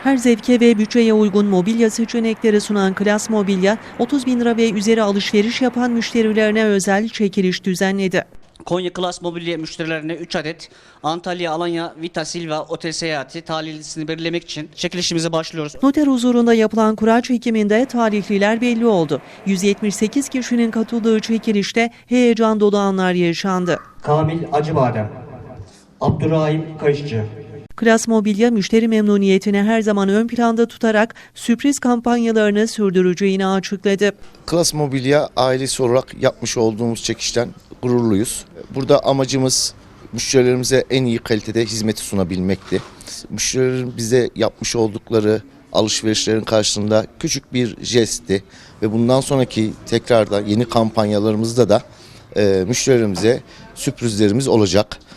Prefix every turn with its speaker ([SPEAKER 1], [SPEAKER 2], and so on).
[SPEAKER 1] Her zevke ve bütçeye uygun mobilya seçenekleri sunan Klas Mobilya, 30 bin lira ve üzeri alışveriş yapan müşterilerine özel çekiliş düzenledi.
[SPEAKER 2] Konya Klas Mobilya müşterilerine 3 adet Antalya, Alanya, Vita Silva otel seyahati talihlisini belirlemek için çekilişimize başlıyoruz.
[SPEAKER 1] Noter huzurunda yapılan kura çekiminde talihliler belli oldu. 178 kişinin katıldığı çekilişte heyecan dolu anlar yaşandı.
[SPEAKER 3] Kamil Acıbadem, Abdurrahim Kayışçı.
[SPEAKER 1] Klas Mobilya müşteri memnuniyetini her zaman ön planda tutarak sürpriz kampanyalarını sürdüreceğini açıkladı.
[SPEAKER 4] Klas Mobilya ailesi olarak yapmış olduğumuz çekişten gururluyuz. Burada amacımız müşterilerimize en iyi kalitede hizmeti sunabilmekti. Müşterilerin bize yapmış oldukları alışverişlerin karşılığında küçük bir jestti ve bundan sonraki tekrarda yeni kampanyalarımızda da müşterilerimize sürprizlerimiz olacak.